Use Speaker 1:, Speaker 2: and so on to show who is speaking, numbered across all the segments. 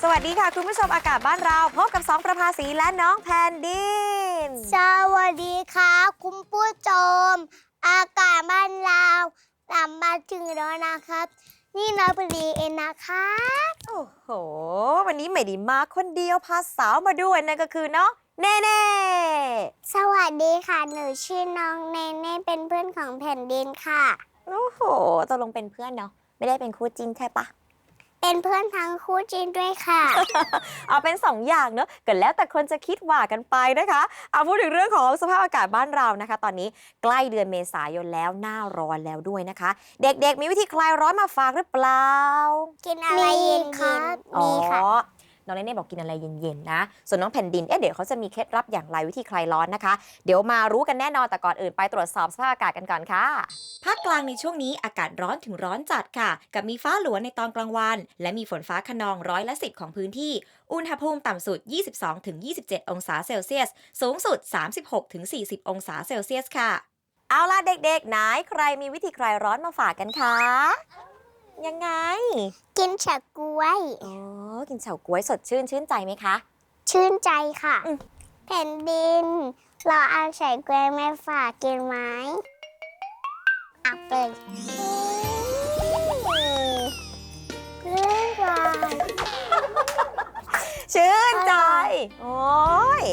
Speaker 1: สวัสดีค่ะคุณผู้ชมอากาศบ้านเราพบกับ2ประภาสีและน้องแผ่นดิน
Speaker 2: สวัสดีครับคุณผู้ชมอากาศบ้านเรากลับมาถึงแล้วนะครับ นี่น้องปรีเองนะครับ
Speaker 1: โอ้โหวันนี้ไม่ได้มาคนเดียวพาสาวมาด้วยนั่นก็คือน้องเน่เน่
Speaker 2: สวัสดีค่ะหนูชื่อน้องเนเน่เป็นเพื่อนของแผ่นดินค่ะ
Speaker 1: โอ้โหตกลงเป็นเพื่อนเนาะไม่ได้เป็นคู่จิ้นใช่ปะ
Speaker 2: เป็นเพื่อนทั้งคู่จริงด้วยค่ะ
Speaker 1: เอาเป็น2อย่างเนอะก็แล้วแต่คนจะคิดว่ากันไปนะคะเอาพูดถึงเรื่องของสภาพอากาศบ้านเรานะคะ ตอนนี้ใกล้เดือนเมษายนแล้วหน้าร้อนแล้วด้วยนะคะ เด็กๆมีวิธีคลายร้อนมาฝากหรือเปล่า
Speaker 2: กินอะไรเย็นๆ
Speaker 1: อ๋อ
Speaker 2: มีค่ะ
Speaker 1: น้องเนเน่บอกกินอะไรเย็นๆนะส่วนน้องแผ่นดินเดี๋ยวเขาจะมีเคล็ดลับอย่างไรวิธีคลายร้อนนะคะ เดี๋ยวมารู้กันแน่นอนแต่ก่อนอื่นไปตรวจสอบสภาพอากาศกันก่อนค่ะภาคกลางในช่วงนี้อากาศร้อนถึงร้อนจัดค่ะกับมีฟ้าหลัวในตอนกลางวันและมีฝนฟ้าคะนอง10%ของพื้นที่อุณหภูมิต่ำสุด 22-27 องศาเซลเซียสสูงสุด 36-40 องศาเซลเซียสค่ะเอาล่ะเด็กๆไหนใครมีวิธีคลายร้อนมาฝากกันคะยังไง
Speaker 2: กินเฉาก๊วย
Speaker 1: อ๋อ กินเฉาก๊วยสดชื่นใจไหมคะ
Speaker 2: ชื่นใจค่ะ
Speaker 1: อืม
Speaker 2: แผ่นดิน เราเอาเฉาก๊วยมาฝากกินไหมเอาไปเรื่องราว
Speaker 1: ชื่นใจ โอ้ย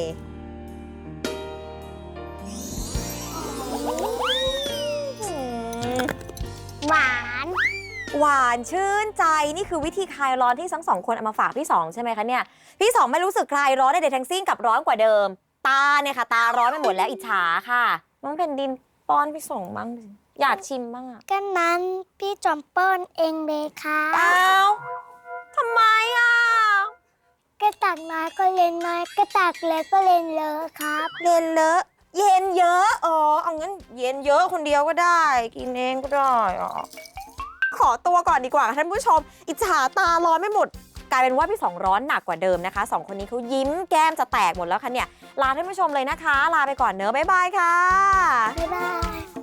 Speaker 2: หวาน
Speaker 1: หวานชื่นใจนี่คือวิธีคลายร้อนที่ทั้งสองคนเอามาฝากพี่สองใช่ไหมคะเนี่ย พี่สองไม่รู้สึกคลายร้อนใดๆทั้งสิ้นกับร้อนกว่าเดิม ตาเนี่ยค่ะ ตาร้อนไปหมดแล้วอิจฉาค่ะน้องแผ่นดินป้อนพี่สองบ้างสิอยากชิมบ้างอะ
Speaker 2: ก็นั้นพี่จอมเปิ้ลเองเลยค่ะ
Speaker 1: อ้าวทำไมอ่ะ
Speaker 2: กระตักน้อยก็เล่นน้อยกระตักเล็กก็เล่นเลอะครับ
Speaker 1: เย็นเลอะเย็นเยอะอ๋อเอางั้นเย็นเยอะคนเดียวก็ได้ กินเองก็ได้อ๋อขอตัวก่อนดีกว่าค่ะท่านผู้ชม อิจฉาตาร้อนไม่หมด กลายเป็นว่าพี่สองร้อนหนักกว่าเดิมนะคะสองคนนี้เขายิ้มแก้มจะแตกหมดแล้วค่ะเนี่ย ลาท่านผู้ชมเลยนะคะ ลาไปก่อนเนอะบ๊ายบายค่ะ
Speaker 2: บ๊ายบาย